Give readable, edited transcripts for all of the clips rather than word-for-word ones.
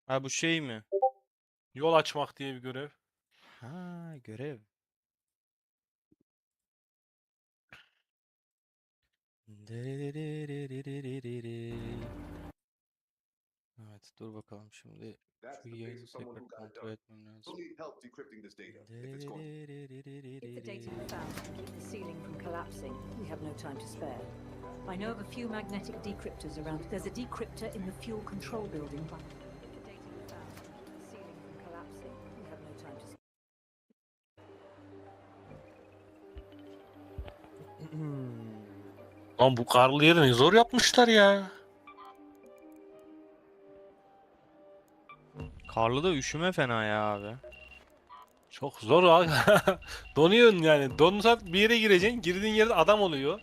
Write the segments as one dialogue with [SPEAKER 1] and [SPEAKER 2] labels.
[SPEAKER 1] Ha bu şey mi?
[SPEAKER 2] Yol açmak diye bir görev.
[SPEAKER 1] Ha görev. Evet dur bakalım şimdi şu
[SPEAKER 3] That's the face
[SPEAKER 1] yayını
[SPEAKER 3] of someone
[SPEAKER 1] tekrar
[SPEAKER 3] who got it
[SPEAKER 1] kontrol
[SPEAKER 3] done.
[SPEAKER 1] etmem lazım.
[SPEAKER 3] You'll need help decrypting this data. If it's going
[SPEAKER 4] If the data we found can keep the ceiling from collapsing, we have no time to spare. I know of a few magnetic decryptors around. There's a decryptor in the fuel control building. If the data we found can keep the ceiling from collapsing, we have no time to spare.
[SPEAKER 2] Lan bu karlı yeri ne zor yapmışlar ya.
[SPEAKER 1] Karlı da üşüme fena ya abi.
[SPEAKER 2] Çok zor abi. Donuyorsun yani. Donsan bir yere gireceksin. Girdiğin yerde adam oluyor.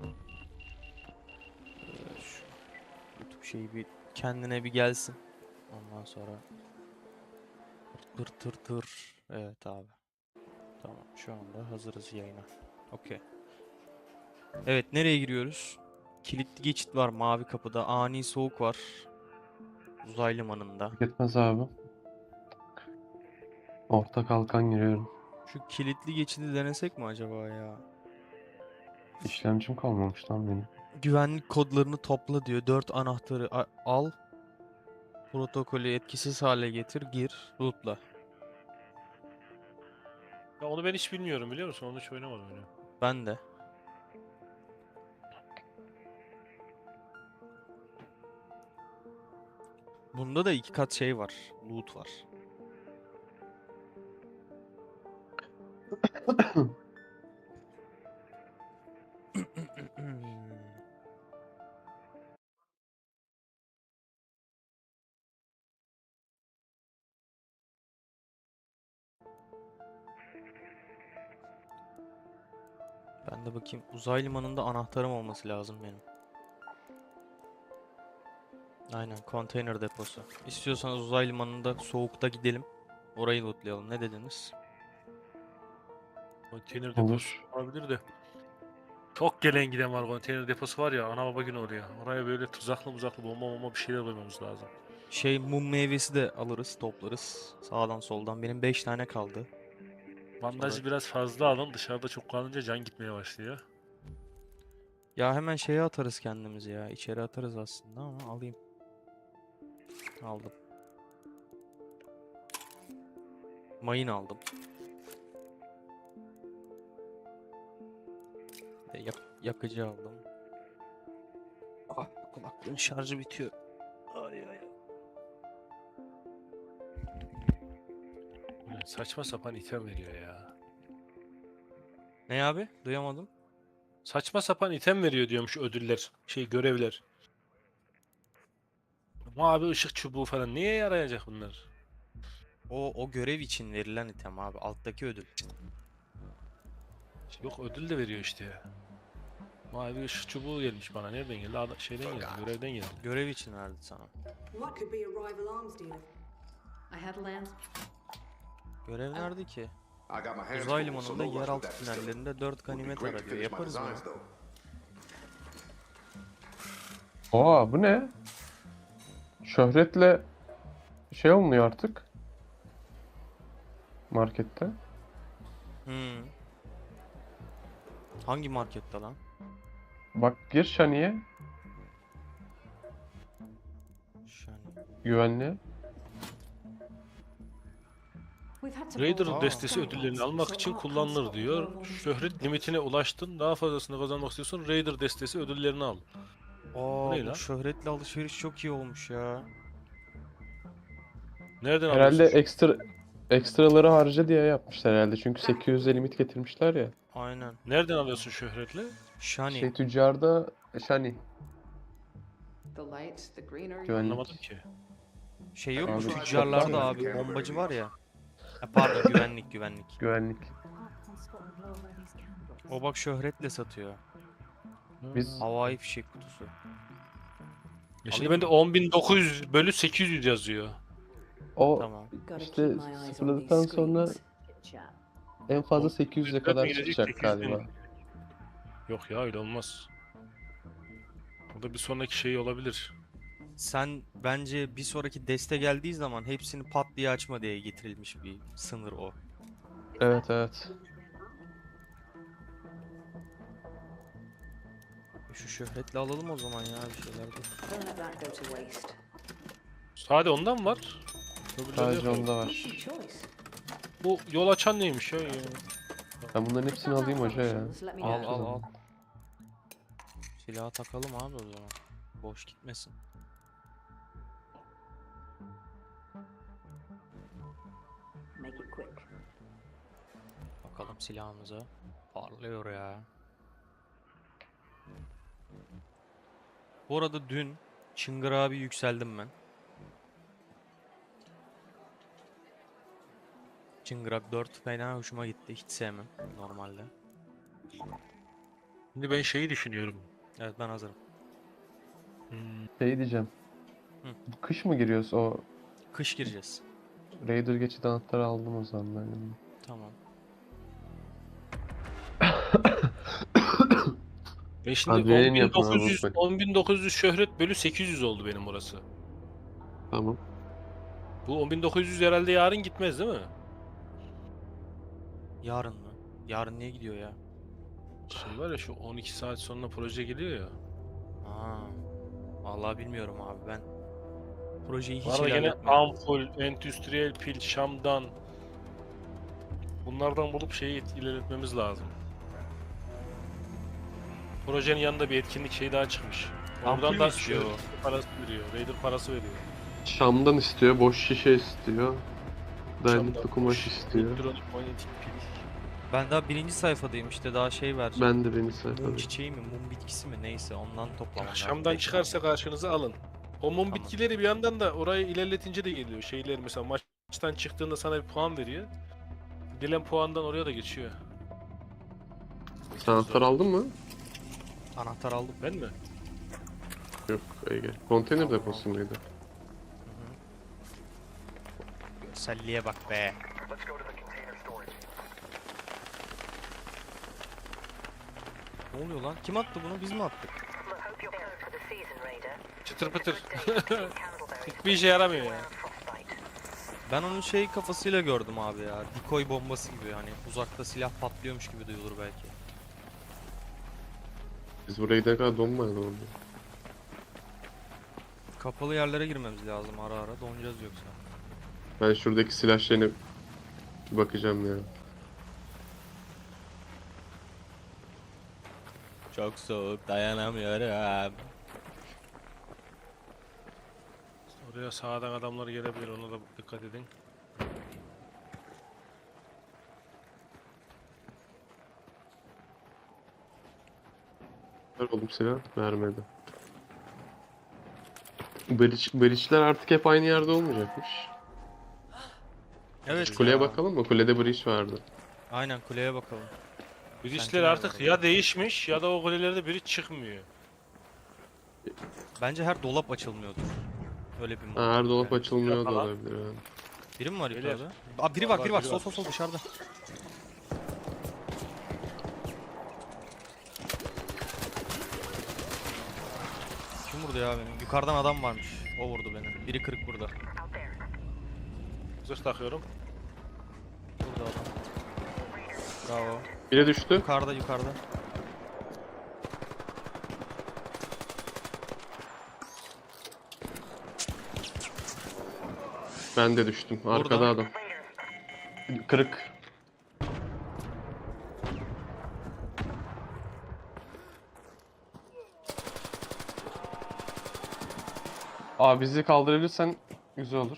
[SPEAKER 1] Şu YouTube şeyi bir kendine bir gelsin. Ondan sonra tır tır tır. Evet abi. Tamam şu anda hazırız yayına. Okey. Evet nereye giriyoruz? Kilitli geçit var mavi kapıda. Ani soğuk var. Uzay limanında.
[SPEAKER 5] Fark etmez abi. Orta kalkan giriyorum.
[SPEAKER 1] Şu kilitli geçidi denesek mi acaba ya?
[SPEAKER 5] İşlemcim kalmamış lan benim.
[SPEAKER 1] Güvenlik kodlarını topla diyor. 4 anahtarı al. Protokolü etkisiz hale getir. Gir. Rootla.
[SPEAKER 2] Ya onu ben hiç bilmiyorum biliyor musun? Onu hiç oynamadım öyle.
[SPEAKER 1] Ben de. Bunda da 2 kat şey var. Loot var. Ben de bakayım. Uzay limanında anahtarım olması lazım benim. Aynen. Konteyner deposu. İstiyorsanız uzay limanında soğukta gidelim. Orayı lootlayalım. Ne dediniz?
[SPEAKER 2] Konteyner deposu
[SPEAKER 5] Olur.
[SPEAKER 2] olabilir de. Çok gelen giden var konteyner deposu var ya. Ana baba günü oraya. Oraya böyle tuzaklı bomba bir şeyler koymamız lazım.
[SPEAKER 1] Şey mum meyvesi de alırız, toplarız. Sağdan soldan. Benim 5 tane kaldı.
[SPEAKER 2] Bandajı
[SPEAKER 1] Sonra...
[SPEAKER 2] biraz fazla alın. Dışarıda çok kalınca can gitmeye başlıyor.
[SPEAKER 1] Ya hemen şeye atarız kendimizi ya. İçeri atarız aslında ama alayım. Aldım. Mayın aldım. Yakıcı aldım. Ah kulaklığın şarjı bitiyor. Ay ay.
[SPEAKER 2] Böyle saçma sapan item veriyor ya.
[SPEAKER 1] Ne abi? Duyamadım.
[SPEAKER 2] Saçma sapan item veriyor diyormuş ödüller. Görevler. Mavi ışık çubuğu falan. Niye yarayacak bunlar?
[SPEAKER 1] O görev için verilen item abi. Alttaki ödül.
[SPEAKER 2] Yok ödül de veriyor işte. Mavi ışık çubuğu gelmiş bana. Nereden geldi? Şeyden geldi. Görevden geldi.
[SPEAKER 1] Görev için verdi sana.
[SPEAKER 6] What could be a rival arms dealer?
[SPEAKER 4] I had land.
[SPEAKER 1] Görev nerede ki?
[SPEAKER 3] I got my hands
[SPEAKER 1] Uzay
[SPEAKER 3] full, so
[SPEAKER 1] limanında
[SPEAKER 3] no rush with
[SPEAKER 1] yeraltı
[SPEAKER 3] that facility.
[SPEAKER 1] tünellerinde 4
[SPEAKER 3] Would be
[SPEAKER 1] ganimet
[SPEAKER 3] great to
[SPEAKER 1] ara diyor.
[SPEAKER 3] finish my
[SPEAKER 1] Yaparız bunu.
[SPEAKER 3] designs though.
[SPEAKER 5] Oha bu ne? Şöhretle şey olmuyor artık. Markette.
[SPEAKER 1] Hmm. Hangi markette lan?
[SPEAKER 5] Bak gir Şani'ye.
[SPEAKER 1] Şani.
[SPEAKER 5] Güvenliğe.
[SPEAKER 4] We've had to
[SPEAKER 2] Raider
[SPEAKER 4] borrow
[SPEAKER 2] destesi
[SPEAKER 4] some
[SPEAKER 2] ödüllerini
[SPEAKER 4] parts,
[SPEAKER 2] almak
[SPEAKER 4] so
[SPEAKER 2] için
[SPEAKER 4] art can't
[SPEAKER 2] kullanılır
[SPEAKER 4] spot the
[SPEAKER 2] diyor.
[SPEAKER 4] glove on this
[SPEAKER 2] Şöhret
[SPEAKER 4] camera.
[SPEAKER 2] limitine ulaştın. Daha fazlasını kazanmak istiyorsun. Raider destesi ödüllerini al. Bu ne
[SPEAKER 1] Bu
[SPEAKER 2] lan?
[SPEAKER 1] şöhretli alışveriş çok iyi olmuş ya.
[SPEAKER 2] Nereden
[SPEAKER 5] Herhalde
[SPEAKER 2] alıyorsun?
[SPEAKER 5] ekstraları harca diye yapmışlar herhalde. Çünkü 800'e limit getirmişler ya.
[SPEAKER 1] Aynen.
[SPEAKER 2] Nereden alıyorsun şöhretle?
[SPEAKER 1] Şani.
[SPEAKER 5] Şey tüccarda Şani
[SPEAKER 6] The light, the greener.
[SPEAKER 5] güvenlik.
[SPEAKER 2] Anlamadım ki.
[SPEAKER 1] Şey yok mu
[SPEAKER 5] Abi,
[SPEAKER 1] tüccarlarda
[SPEAKER 5] toplam-
[SPEAKER 1] abi bombacı var ya. Ha, pardon güvenlik.
[SPEAKER 5] Güvenlik.
[SPEAKER 4] Art can't spot the glove on these candles.
[SPEAKER 1] O bak şöhretle satıyor.
[SPEAKER 5] Biz
[SPEAKER 1] Havai fişek kutusu.
[SPEAKER 2] Şimdi bende 10.900 bölü 800 yazıyor.
[SPEAKER 5] o
[SPEAKER 1] Tamam.
[SPEAKER 4] Gotta
[SPEAKER 5] İşte
[SPEAKER 4] keep my eyes on
[SPEAKER 5] sıfırladıktan
[SPEAKER 4] these
[SPEAKER 5] sonra
[SPEAKER 4] screens. Chit chat.
[SPEAKER 5] en fazla
[SPEAKER 2] O-
[SPEAKER 5] 800'e
[SPEAKER 2] Dört
[SPEAKER 5] kadar
[SPEAKER 2] mü gelecek,
[SPEAKER 5] çıkacak
[SPEAKER 2] 800 bin?
[SPEAKER 5] galiba.
[SPEAKER 2] Yok ya öyle olmaz. O da bir sonraki şey olabilir.
[SPEAKER 1] Sen bence bir sonraki deste geldiği zaman hepsini pat diye açma diye getirilmiş bir sınır o.
[SPEAKER 5] Evet evet.
[SPEAKER 1] Şu şöhretle alalım o zaman ya bir şeyler de.
[SPEAKER 6] Don't let that go to waste.
[SPEAKER 2] Sade ondan mı var? Öbürleri
[SPEAKER 5] Sadece
[SPEAKER 2] yok.
[SPEAKER 5] onda var.
[SPEAKER 6] Easy choice.
[SPEAKER 2] Bu yol açan neymiş ya?
[SPEAKER 5] Ben bunların hepsini alayım hoca ya.
[SPEAKER 6] Let me
[SPEAKER 1] Al
[SPEAKER 6] know.
[SPEAKER 1] al al. Silahı takalım abi o zaman. Boş gitmesin.
[SPEAKER 6] Make it quick.
[SPEAKER 1] Bakalım silahımıza. Parlıyor ya. Bu arada dün Çıngır abi yükseldim ben. Çıngırak 4 fena hoşuma gitti. Hiç sevmem normalde.
[SPEAKER 2] Şimdi ben şeyi düşünüyorum.
[SPEAKER 1] Evet ben hazırım.
[SPEAKER 5] Şey diyeceğim.
[SPEAKER 1] Hı.
[SPEAKER 5] Bu kış mı giriyoruz? O
[SPEAKER 1] Kış gireceğiz.
[SPEAKER 5] Raider geçidi anahtarı aldım o zaman ben.
[SPEAKER 1] Tamam.
[SPEAKER 2] Ben şimdi
[SPEAKER 5] Adrenalin yapın abi,
[SPEAKER 2] 10.900
[SPEAKER 5] unutmayın.
[SPEAKER 2] 10.900 şöhret bölü 800 oldu benim burası.
[SPEAKER 5] Tamam.
[SPEAKER 2] Bu 10.900 herhalde yarın gitmez değil mi?
[SPEAKER 1] Yarın mı? Yarın niye gidiyor ya?
[SPEAKER 2] Şimdi var ya şu 12 saat sonra proje geliyor ya.
[SPEAKER 1] Aa, vallahi bilmiyorum abi ben. Projeyi hiç
[SPEAKER 2] Bu arada gene
[SPEAKER 1] ilerletmedim.
[SPEAKER 2] ampul, endüstriyel pil, şamdan. Bunlardan bulup şeyi ilerletmemiz lazım. Projenin yanında bir etkinlik şey daha çıkmış.
[SPEAKER 1] Ampul
[SPEAKER 2] Oradan
[SPEAKER 1] mü
[SPEAKER 2] da
[SPEAKER 1] istiyor
[SPEAKER 2] şöhret parası veriyor. Raider parası veriyor.
[SPEAKER 5] Şam'dan istiyor, boş şişe istiyor. Dayanıklı
[SPEAKER 2] Şamdan,
[SPEAKER 5] kumaş istiyor.
[SPEAKER 2] elektronik manyetik pil.
[SPEAKER 1] Ben daha birinci sayfadayım işte daha şey vereceğim.
[SPEAKER 5] Ben de beni
[SPEAKER 1] Mum
[SPEAKER 5] sayfalayayım.
[SPEAKER 1] çiçeği mi, mum bitkisi mi neyse ondan toplamam lazım.
[SPEAKER 2] Şamdan
[SPEAKER 1] Beş
[SPEAKER 2] çıkarsa karşınıza alın. O mum
[SPEAKER 1] Tamam.
[SPEAKER 2] bitkileri bir yandan da orayı ilerletince de geliyor. Şeyler mesela maçtan çıktığında sana bir puan veriyor. Gelen puandan oraya da geçiyor.
[SPEAKER 5] Sen anahtar aldın mı?
[SPEAKER 1] tane. Anahtar aldım.
[SPEAKER 2] Ben mi?
[SPEAKER 5] Yok Ege. Konteyner
[SPEAKER 1] Tamam,
[SPEAKER 5] deposu muydu?
[SPEAKER 1] Görselliğe bak be. Ne oluyor lan? Kim attı bunu? Biz mi attık?
[SPEAKER 2] Çıtır pıtır. Hiçbir işe yaramıyor ya.
[SPEAKER 1] Ben onun şey kafasıyla gördüm abi ya. Decoy bombası gibi hani uzakta silah patlıyormuş gibi duyulur belki.
[SPEAKER 5] Biz buraya gidene kadar donmayalım orada.
[SPEAKER 1] Kapalı yerlere girmemiz lazım ara ara donacağız yoksa.
[SPEAKER 5] Ben şuradaki silah şeyine bir bakacağım ya.
[SPEAKER 1] Çok soğuk dayanamıyorum.
[SPEAKER 2] Oraya sağdan adamlar gelebilir, ona da dikkat edin.
[SPEAKER 5] Ver oğlum silah. Vermedi. Breach'ler artık hep aynı yerde olmayacakmış.
[SPEAKER 1] Evet
[SPEAKER 5] Kuleye
[SPEAKER 1] ya.
[SPEAKER 5] bakalım mı? Kulede breach vardı.
[SPEAKER 1] Aynen kuleye bakalım.
[SPEAKER 2] Bridge'ler
[SPEAKER 1] nerede
[SPEAKER 2] artık
[SPEAKER 1] orada?
[SPEAKER 2] ya değişmiş ya da o kulelerde biri çıkmıyor.
[SPEAKER 1] Bence her dolap açılmıyordur. Öyle bir mod.
[SPEAKER 5] Ha, her dolap
[SPEAKER 1] Yani.
[SPEAKER 5] açılmıyor da
[SPEAKER 2] Falan.
[SPEAKER 5] olabilir yani.
[SPEAKER 1] Biri mi var
[SPEAKER 2] Beyler.
[SPEAKER 1] yukarıda? Aa biri var,
[SPEAKER 2] Var,
[SPEAKER 1] biri var.
[SPEAKER 2] biri
[SPEAKER 1] Sol
[SPEAKER 2] var.
[SPEAKER 1] sol sol dışarıda. Kim vurdu ya beni? Yukarıdan adam varmış. O vurdu beni. Biri kırık burada.
[SPEAKER 2] Zırh takıyorum.
[SPEAKER 1] Burada adam. Bravo.
[SPEAKER 5] Biri düştü.
[SPEAKER 1] Yukarıda yukarıda.
[SPEAKER 5] Ben de düştüm. Arkada
[SPEAKER 1] Burada.
[SPEAKER 5] adam. Kırık. Abi bizi kaldırabilirsen güzel olur.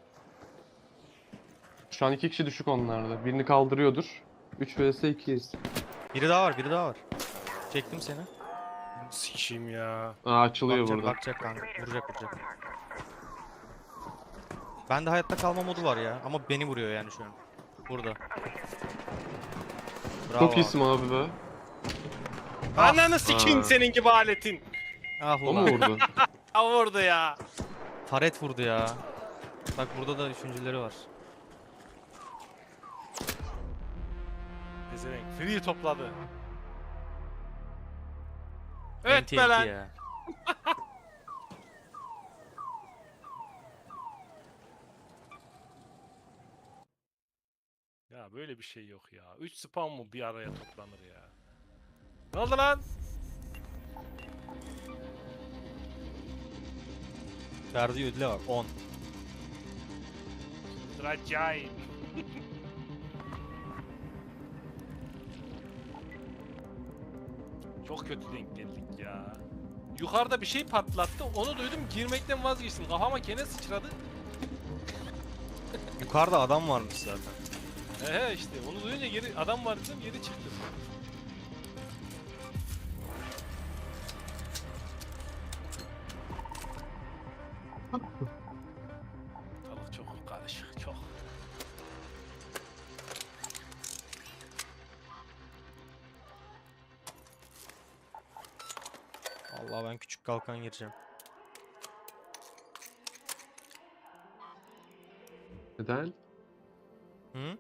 [SPEAKER 5] Şu an 2 kişi düşük onlarda. Birini kaldırıyordur. 3 vs 2'yiz.
[SPEAKER 1] Biri daha var, biri daha var. Çektim seni.
[SPEAKER 2] Sikişim ya.
[SPEAKER 5] Aa, açılıyor
[SPEAKER 1] Bakacak,
[SPEAKER 5] burada.
[SPEAKER 1] bakacak kanka. Vuracak. Bende hayatta kalma modu var ya. Ama beni vuruyor yani şu an. Burada. Bravo
[SPEAKER 5] Çok iyisin abi be.
[SPEAKER 2] Ananı sikeyim
[SPEAKER 5] Aa.
[SPEAKER 2] senin gibi aletin.
[SPEAKER 1] Ah
[SPEAKER 5] O mu
[SPEAKER 1] ulan.
[SPEAKER 5] vurdu?
[SPEAKER 2] Ha orada ya.
[SPEAKER 1] Taret vurdu ya. Bak burada da üçüncüleri var.
[SPEAKER 2] Gezerenk free topladı. Evet
[SPEAKER 1] TNT
[SPEAKER 2] be lan.
[SPEAKER 1] ya.
[SPEAKER 2] Ya böyle bir şey yok ya. 3 spam mı bir araya toplanır ya? Ne oldu lan?
[SPEAKER 1] Verdiği ödüle var 10.
[SPEAKER 2] Acayip. Çok kötü denk geldik ya. Yukarıda bir şey patlattı. Onu duydum, girmekten vazgeçtim. Kafama kene sıçradı.
[SPEAKER 1] Yukarıda adam varmış zaten.
[SPEAKER 2] He işte onu duyunca geri adam var dedim, geri çıktım. Ortalık çok karışık, çok.
[SPEAKER 1] Allah ben küçük kalkan gireceğim.
[SPEAKER 5] Neden?
[SPEAKER 1] Hı?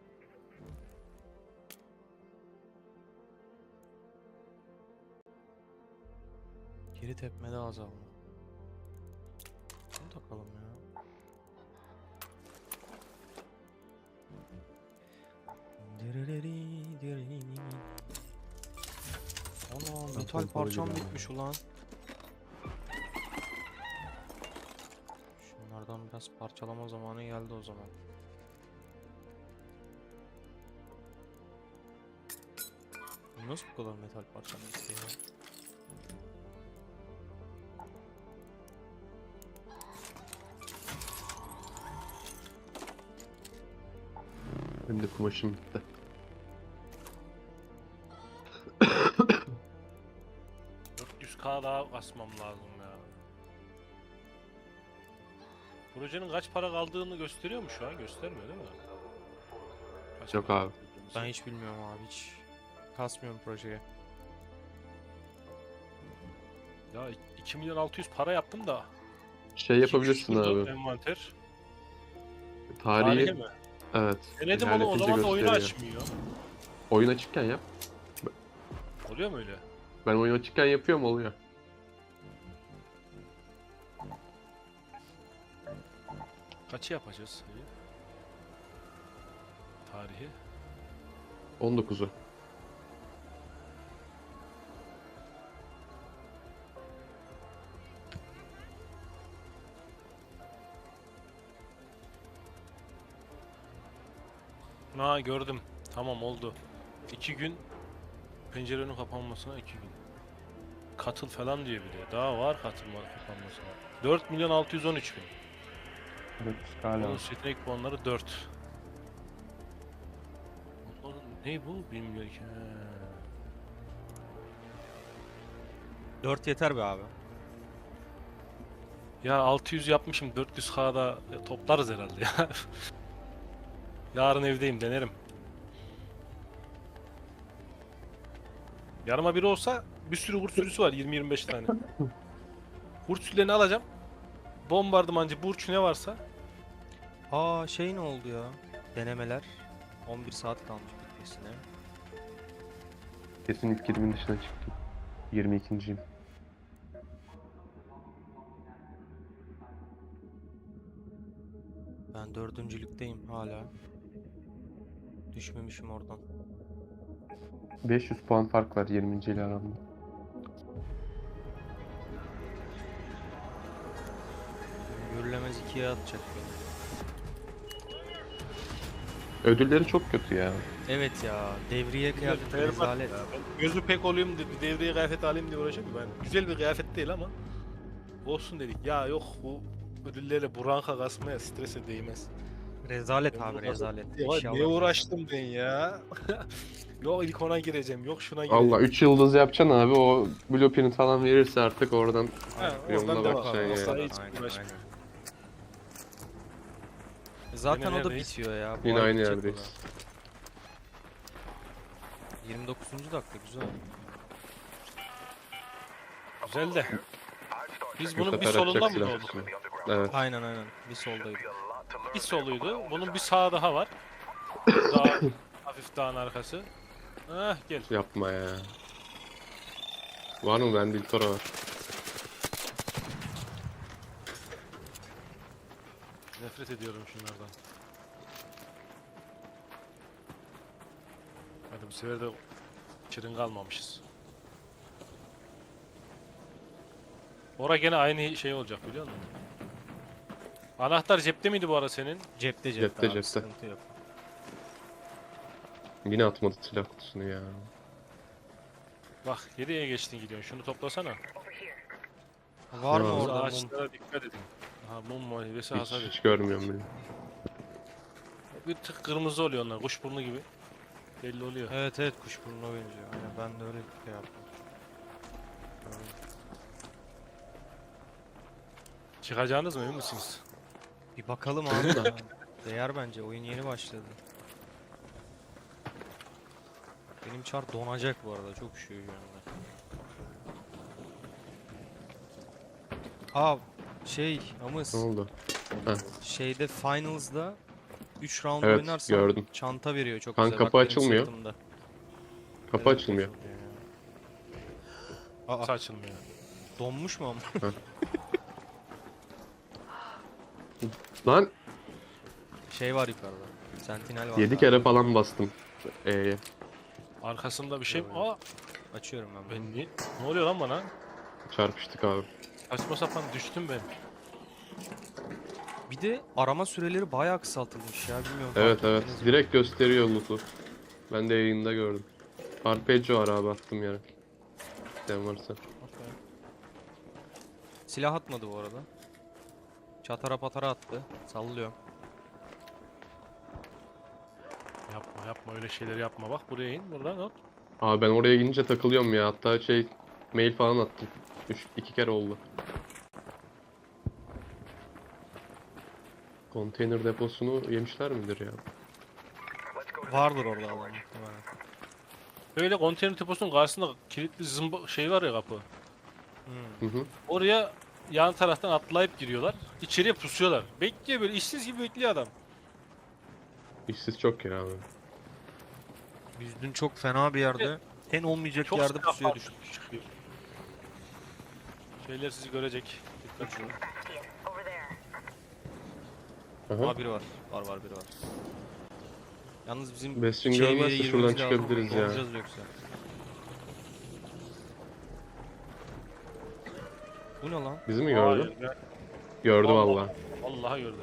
[SPEAKER 1] Geri tepmede azalma. Şunu takalım ya. Ana metal
[SPEAKER 5] pompalı
[SPEAKER 1] parçam
[SPEAKER 5] gibi
[SPEAKER 1] bitmiş ulan. Şunlardan biraz parçalama zamanı geldi o zaman. Nasıl bu kadar metal parçam bitti ya?
[SPEAKER 5] Benim de kumaşım bitti.
[SPEAKER 2] $400K daha basmam lazım ya. Projenin kaç para kaldığını gösteriyor mu şu an? Göstermiyor değil mi? Kaç
[SPEAKER 5] Yok
[SPEAKER 2] para
[SPEAKER 5] abi.
[SPEAKER 2] kaldığını?
[SPEAKER 1] Ben hiç bilmiyorum abi, hiç kasmıyorum projeye.
[SPEAKER 2] Ya 2.600.000 para yaptım da.
[SPEAKER 5] Şey yapabilirsin abi.
[SPEAKER 2] Envanter.
[SPEAKER 5] Tarihi,
[SPEAKER 2] Tarihe mi?
[SPEAKER 5] evet.
[SPEAKER 2] Denedim onu, o
[SPEAKER 5] ilerletince
[SPEAKER 2] zaman da oyunu
[SPEAKER 5] gösteriyor.
[SPEAKER 2] açmıyor.
[SPEAKER 5] Oyun açıkken yap.
[SPEAKER 2] Oluyor mu öyle?
[SPEAKER 5] Ben oyun açıkken yapıyorum, oluyor.
[SPEAKER 2] Kaçı yapacağız? Tarihi.
[SPEAKER 5] 19'u.
[SPEAKER 2] Ha gördüm. Tamam oldu. 2 gün pencerenin kapanmasına 2 gün. Katıl falan diyor bir de. Daha var katılma kapanmasına. 4.613.000.
[SPEAKER 5] Evet,
[SPEAKER 2] Bonus yetenek puanları 4. Onların ne bu bilmiyorum ki.
[SPEAKER 1] 4 yeter be abi.
[SPEAKER 2] Ya 600 yapmışım, 400K'da toplarız herhalde ya. Yarın evdeyim, denerim. Yarıma biri olsa bir sürü kurt sürüsü var, 20-25 tane. Kurt sürülerini alacağım. Bombardımancı, burç ne varsa.
[SPEAKER 1] Aa şey ne oldu ya? Denemeler. 11 saat kalmış bitmesine.
[SPEAKER 5] Kesin ilk 20'nin dışına çıktım. 22.'yim.
[SPEAKER 1] Ben 4.lükteyim hala. Düşmemişim oradan.
[SPEAKER 5] 500 puan fark var 20. ile aramda.
[SPEAKER 1] Görülemez 2'ye atacak beni.
[SPEAKER 5] Ödülleri çok kötü ya.
[SPEAKER 1] Evet ya, devriye kıyafeti rezalet.
[SPEAKER 2] Gözü pek olayım dedi, devreye kıyafet alayım diye uğraşıyorum. Ben güzel bir kıyafet değil ama olsun dedik. Ya yok, bu ödüllerle buranka kasmaya, strese değmez.
[SPEAKER 1] Rezalet
[SPEAKER 2] Ben
[SPEAKER 1] abi,
[SPEAKER 2] bu
[SPEAKER 1] rezalet.
[SPEAKER 2] Ya
[SPEAKER 1] Eşyalar
[SPEAKER 2] ne
[SPEAKER 1] rezalet.
[SPEAKER 2] uğraştım ben ya. Yok ilk ona gireceğim, yok şuna gireceğim.
[SPEAKER 5] Allah 3 yıldız yapacaksın abi, o blueprint falan verirse artık oradan
[SPEAKER 2] Ha,
[SPEAKER 5] yoluna
[SPEAKER 2] oradan devam.
[SPEAKER 5] bakacaksın
[SPEAKER 2] Asla
[SPEAKER 5] yani.
[SPEAKER 2] hiç
[SPEAKER 1] Aynen,
[SPEAKER 2] uğraşma.
[SPEAKER 1] aynen. Zaten
[SPEAKER 2] Yine
[SPEAKER 1] o da
[SPEAKER 2] neredeyiz?
[SPEAKER 1] bitiyor ya. Bu
[SPEAKER 5] Yine
[SPEAKER 1] ay
[SPEAKER 5] aynı
[SPEAKER 1] bitecek o
[SPEAKER 5] yerdeyiz.
[SPEAKER 1] da. 29. dakika güzel.
[SPEAKER 2] Güzel de. Biz bunun bir
[SPEAKER 5] Sefer
[SPEAKER 2] solunda
[SPEAKER 5] atacak
[SPEAKER 2] mı
[SPEAKER 5] silah
[SPEAKER 2] doğduk?
[SPEAKER 5] kutusunu. Evet.
[SPEAKER 1] Aynen aynen. Bir soldaydı.
[SPEAKER 2] Bir soluydu. Bunun bir sağı daha var. Daha hafif dağın arkası. Heh gel.
[SPEAKER 5] Yapma ya. Var mı? Bende İltora var.
[SPEAKER 2] Nefret ediyorum şunlardan. Bu sefer de şirin kalmamışız. Ora gene aynı şey olacak biliyor musun? Anahtar cepte miydi bu ara senin?
[SPEAKER 1] Cepte
[SPEAKER 5] Cepte,
[SPEAKER 1] abi,
[SPEAKER 5] cepte.
[SPEAKER 1] sıkıntı yok.
[SPEAKER 5] Yine atmadı silah kutusunu ya.
[SPEAKER 2] Bak nereye geçtin gidiyorsun? Şunu toplasana.
[SPEAKER 1] Var mı
[SPEAKER 5] Ya.
[SPEAKER 1] orada mum?
[SPEAKER 2] Ağaçlara dikkat edin. Aha mum muhalefesi
[SPEAKER 5] Hiç,
[SPEAKER 2] hasar
[SPEAKER 5] hiç
[SPEAKER 2] ediyor.
[SPEAKER 5] görmüyorum bile.
[SPEAKER 2] Bir tık kırmızı oluyor onlar. Kuşburnu gibi. Belli oluyor.
[SPEAKER 1] Evet evet, kuşburnuna benziyor. Aynen, ben de öyle şey yaptım.
[SPEAKER 2] Çıkacağınız mı emin misiniz?
[SPEAKER 1] Bir bakalım abi da. Değer bence, oyun yeni başladı. Benim çar donacak bu arada, çok üşüyor şu anda. Aa Amız,
[SPEAKER 5] Ne oldu?
[SPEAKER 1] şeyde Finals'da 3 round
[SPEAKER 5] Evet,
[SPEAKER 1] oynarsan
[SPEAKER 5] gördüm.
[SPEAKER 1] çanta veriyor çok
[SPEAKER 5] Kan
[SPEAKER 1] güzel.
[SPEAKER 5] kapı
[SPEAKER 1] Bak benim
[SPEAKER 5] açılmıyor.
[SPEAKER 1] sırtımda.
[SPEAKER 5] Kapı
[SPEAKER 1] Evet,
[SPEAKER 5] açılmıyor.
[SPEAKER 1] açılmıyor ya. Aa,
[SPEAKER 2] Saçılmıyor.
[SPEAKER 1] donmuş mu ama?
[SPEAKER 5] Lan
[SPEAKER 1] Şey var yukarıda. Sentinel var.
[SPEAKER 5] 7
[SPEAKER 1] abi.
[SPEAKER 5] kere falan bastım.
[SPEAKER 2] Arkasında bir şey mi?
[SPEAKER 1] Evet.
[SPEAKER 2] Aa
[SPEAKER 1] Açıyorum ben.
[SPEAKER 2] ben niye? Ne oluyor lan bana?
[SPEAKER 5] Çarpıştık abi.
[SPEAKER 2] Saçma sapan düştüm ben.
[SPEAKER 1] Bir de arama süreleri bayağı kısaltılmış ya, bilmiyorum.
[SPEAKER 5] Evet
[SPEAKER 1] fark
[SPEAKER 5] evet.
[SPEAKER 1] ettiniz mi?
[SPEAKER 5] Direkt gösteriyor loot'u. Ben de yayında gördüm. Arpeggio var abi, attım yere. Sen varsa.
[SPEAKER 1] Okey. Silah atmadı bu arada. Çatara patara attı. Sallıyorum.
[SPEAKER 2] Yapma yapma öyle şeyler yapma. Bak buraya in buradan at.
[SPEAKER 5] Abi ben oraya gidince takılıyorum ya. Hatta mail falan attım. 2 kere oldu. Konteyner deposunu yemişler midir ya?
[SPEAKER 1] Vardır orada adam muhtemelen.
[SPEAKER 2] Böyle konteyner deposunun karşısında kilitli zımba şey var ya kapı.
[SPEAKER 1] Hmm.
[SPEAKER 5] Hı hı.
[SPEAKER 2] Oraya yan taraftan atlayıp giriyorlar. İçeriye pusuyorlar. Bekliyor böyle işsiz gibi bekliyor adam.
[SPEAKER 5] İşsiz çok ya abi.
[SPEAKER 1] Biz dün çok fena bir yerde, en olmayacak
[SPEAKER 2] Çok
[SPEAKER 1] yerde
[SPEAKER 2] silah
[SPEAKER 1] pusuya
[SPEAKER 2] var,
[SPEAKER 1] düştük.
[SPEAKER 2] çıkıyor. Şeyler sizi görecek. Dikkat edin.
[SPEAKER 5] Aha.
[SPEAKER 1] Aa, biri var. Var biri var. Yalnız bizim
[SPEAKER 5] Besin
[SPEAKER 1] içeri bir yere
[SPEAKER 5] görmezse şuradan
[SPEAKER 1] girmemiz lazım.
[SPEAKER 5] çıkabiliriz ya.
[SPEAKER 1] Donacağız yoksa. Bu ne lan?
[SPEAKER 5] Bizi mi gördü?
[SPEAKER 2] Hayır, ben-
[SPEAKER 5] Gördü
[SPEAKER 2] Allah.
[SPEAKER 5] valla.
[SPEAKER 2] Vallahi gördüm.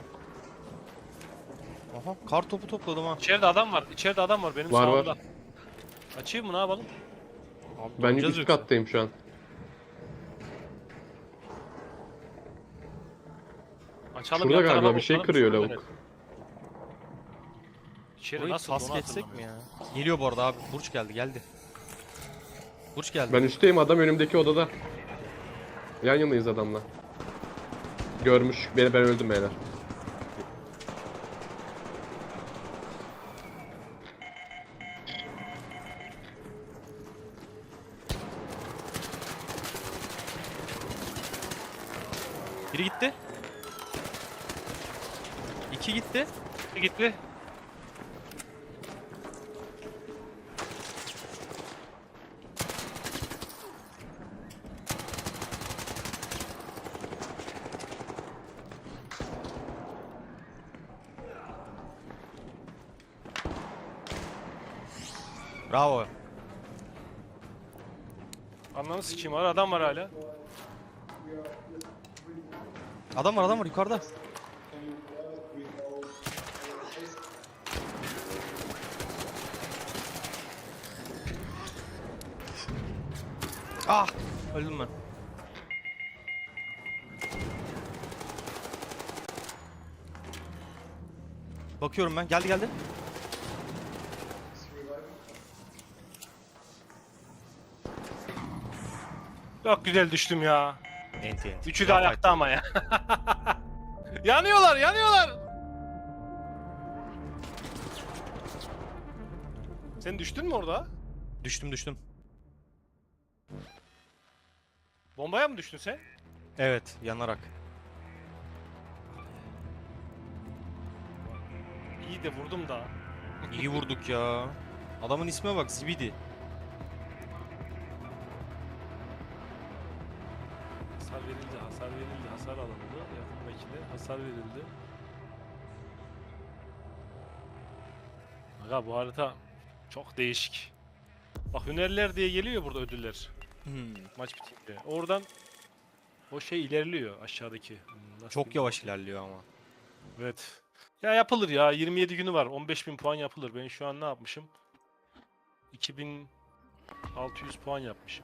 [SPEAKER 1] Aha, kar topu topladım ha.
[SPEAKER 2] İçeride adam var. İçeride adam var benim
[SPEAKER 5] Var,
[SPEAKER 2] sağımda.
[SPEAKER 5] var.
[SPEAKER 2] Açayım mı ne yapalım?
[SPEAKER 1] Abi,
[SPEAKER 5] Ben
[SPEAKER 1] donacağız
[SPEAKER 5] üst
[SPEAKER 1] yoksa.
[SPEAKER 5] kattayım şu an.
[SPEAKER 2] Açalım
[SPEAKER 5] Şurada
[SPEAKER 2] yan
[SPEAKER 5] galiba
[SPEAKER 2] tarafa
[SPEAKER 5] bir şey
[SPEAKER 2] bakalım,
[SPEAKER 5] kırıyor
[SPEAKER 2] şurada
[SPEAKER 5] lavuk.
[SPEAKER 2] nerede? İçeri
[SPEAKER 1] Burayı
[SPEAKER 2] nasıl
[SPEAKER 1] pas
[SPEAKER 2] donu
[SPEAKER 1] geçsek mi
[SPEAKER 2] hatırlamıyorum.
[SPEAKER 1] ya? Geliyor bu arada abi. Burç geldi. Burç geldi.
[SPEAKER 5] Ben üstteyim, adam önümdeki odada. Yan yanayız adamla. Görmüş. Ben öldüm beyler.
[SPEAKER 1] Biri gitti. 2 gitti.
[SPEAKER 2] Gitti.
[SPEAKER 1] Bravo.
[SPEAKER 2] Ananı sikeyim var adam var hala.
[SPEAKER 1] Adam var yukarıda. Ah! Öldüm ben. Bakıyorum ben. Geldi.
[SPEAKER 2] Çok güzel düştüm ya.
[SPEAKER 1] Enti.
[SPEAKER 2] Üçü de ayakta ama ya. yanıyorlar. Sen düştün mü orada?
[SPEAKER 1] Düştüm.
[SPEAKER 2] Bombaya mı düştün sen?
[SPEAKER 1] Evet, yanarak.
[SPEAKER 2] İyi de vurdum da.
[SPEAKER 1] İyi vurduk ya. Adamın isme bak, Zibidi.
[SPEAKER 2] Hasar alındı. Yakındakine hasar verildi. Aga bu harita Çok değişik. Bak hünerler diye geliyor burada ödüller.
[SPEAKER 1] Hmm,
[SPEAKER 2] Maç bitince. Oradan o şey ilerliyor aşağıdaki. Nasıl
[SPEAKER 1] Çok
[SPEAKER 2] diyeyim?
[SPEAKER 1] yavaş ilerliyor ama.
[SPEAKER 2] Evet. Ya yapılır ya. 27 günü var. 15.000 puan yapılır. Ben şu an ne yapmışım? 2600 puan yapmışım.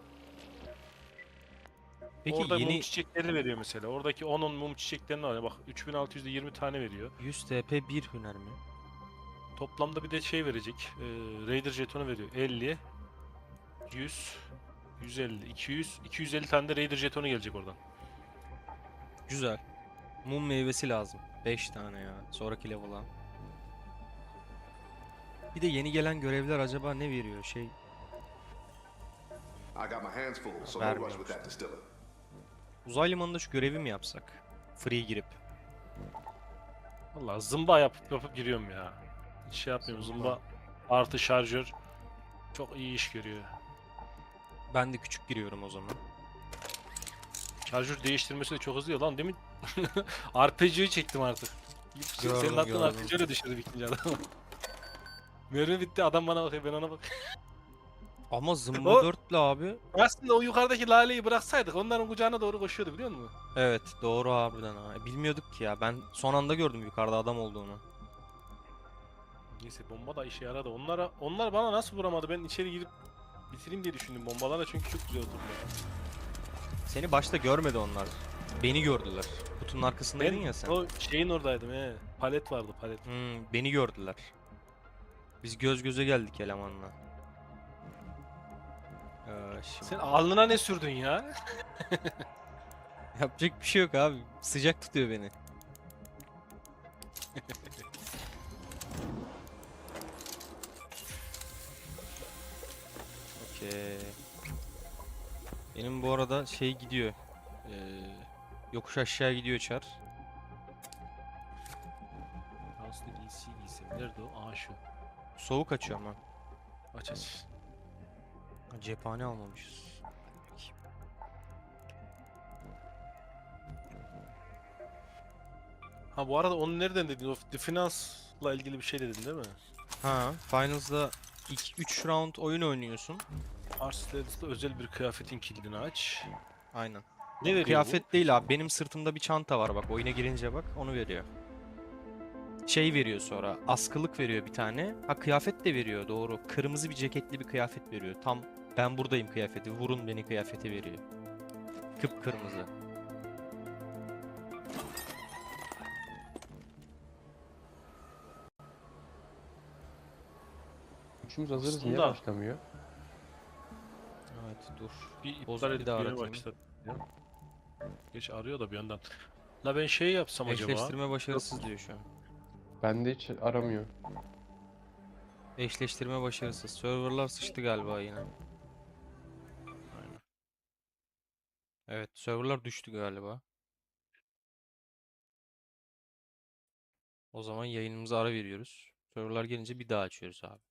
[SPEAKER 1] Peki
[SPEAKER 2] Orada mum
[SPEAKER 1] yeni
[SPEAKER 2] çiçekleri veriyor mesela. Oradaki 10'un mum çiçeklerini var. Bak 3600'de 20 tane veriyor.
[SPEAKER 1] 100 TP bir hüner mi?
[SPEAKER 2] Toplamda bir de şey verecek. Raider jetonu veriyor. 50, 100, 150, 200, 250 tane de Raider jetonu gelecek oradan.
[SPEAKER 1] Güzel. Mum meyvesi lazım. 5 tane ya. Sonraki level'a. Bir de yeni gelen görevler acaba ne veriyor?
[SPEAKER 3] I got my hands full, so no
[SPEAKER 1] Vermiyor
[SPEAKER 3] rush with that
[SPEAKER 1] işte.
[SPEAKER 3] distiller.
[SPEAKER 1] Uzay limanında şu görevi mi yapsak? Free girip.
[SPEAKER 2] Vallahi zımba yapıp giriyorum ya. Hiç şey yapmıyorum. Zımba artı şarjör çok iyi iş görüyor.
[SPEAKER 1] Ben de küçük giriyorum o zaman.
[SPEAKER 2] Şarjör değiştirmesi de çok hızlı ya lan demin RPG'yi çektim artık. Senin
[SPEAKER 1] Gördüm,
[SPEAKER 2] aklın
[SPEAKER 1] gördüm.
[SPEAKER 2] RPG'yle düşürdü ikinci adam. Mermi bitti adam bana bakıyor ben ona bak.
[SPEAKER 1] Ama zımba
[SPEAKER 2] O-
[SPEAKER 1] 4'lü abi.
[SPEAKER 2] Aslında o yukarıdaki laleyi bıraksaydık onların kucağına doğru koşuyordu biliyor musun?
[SPEAKER 1] Evet doğru harbiden ha. Bilmiyorduk ki ya. Ben son anda gördüm yukarıda adam olduğunu.
[SPEAKER 2] Neyse bomba da işe yaradı. Onlar bana nasıl vuramadı? Ben içeri girip bitireyim diye düşündüm bombalarla çünkü çok güzel oturdu.
[SPEAKER 1] Seni başta görmedi onlar. Beni gördüler. Kutunun arkasındaydın ya sen.
[SPEAKER 2] o şeyin oradaydım he. Palet vardı palet.
[SPEAKER 1] Beni gördüler. Biz göz göze geldik elemanla. Şimdi
[SPEAKER 2] Sen alnına ne sürdün ya?
[SPEAKER 1] yapacak bir şey yok abi. Sıcak tutuyor beni. Okey. Benim bu arada şey gidiyor. Yokuş aşağı gidiyor çar.
[SPEAKER 2] Aslında giysi giysem. Nerede o? Aa şu.
[SPEAKER 1] Soğuk açıyor ama.
[SPEAKER 2] Aç aç.
[SPEAKER 1] Ha, cephane almamışız.
[SPEAKER 2] Ha bu arada onu nereden dedin? O The Finance'la ilgili bir şey dedin değil mi?
[SPEAKER 1] Ha, Finals'da 3 round oyun oynuyorsun.
[SPEAKER 2] Arslan'da özel bir kıyafetin kilidini aç.
[SPEAKER 1] Aynen.
[SPEAKER 2] Ne veriyor
[SPEAKER 1] Kıyafet değil abi. Benim sırtımda bir çanta var bak. Oyuna girince bak onu veriyor. Şey veriyor sonra. Askılık veriyor bir tane. Ha kıyafet de veriyor doğru. Kırmızı bir ceketli bir kıyafet veriyor. Tam ben buradayım kıyafeti. Vurun beni kıyafeti veriyor. Kıpkırmızı.
[SPEAKER 5] Üçümüz hazırız. Niye
[SPEAKER 2] Aslında-
[SPEAKER 5] başlamıyor?
[SPEAKER 1] Evet dur.
[SPEAKER 2] Bir
[SPEAKER 1] Boz,
[SPEAKER 2] iptal
[SPEAKER 1] bir
[SPEAKER 2] edip
[SPEAKER 1] daha
[SPEAKER 2] yeni
[SPEAKER 1] aratayım.
[SPEAKER 2] başlat. Geç arıyor da bir yandan. La ben şey yapsam acaba.
[SPEAKER 1] Eşleştirme başarısız diyor şu an.
[SPEAKER 5] Bende hiç aramıyor.
[SPEAKER 1] Eşleştirme başarısız. Serverlar sıçtı galiba yine. Aynen. Evet, serverlar düştü galiba. O zaman yayınımıza ara veriyoruz. Serverlar gelince bir daha açıyoruz abi.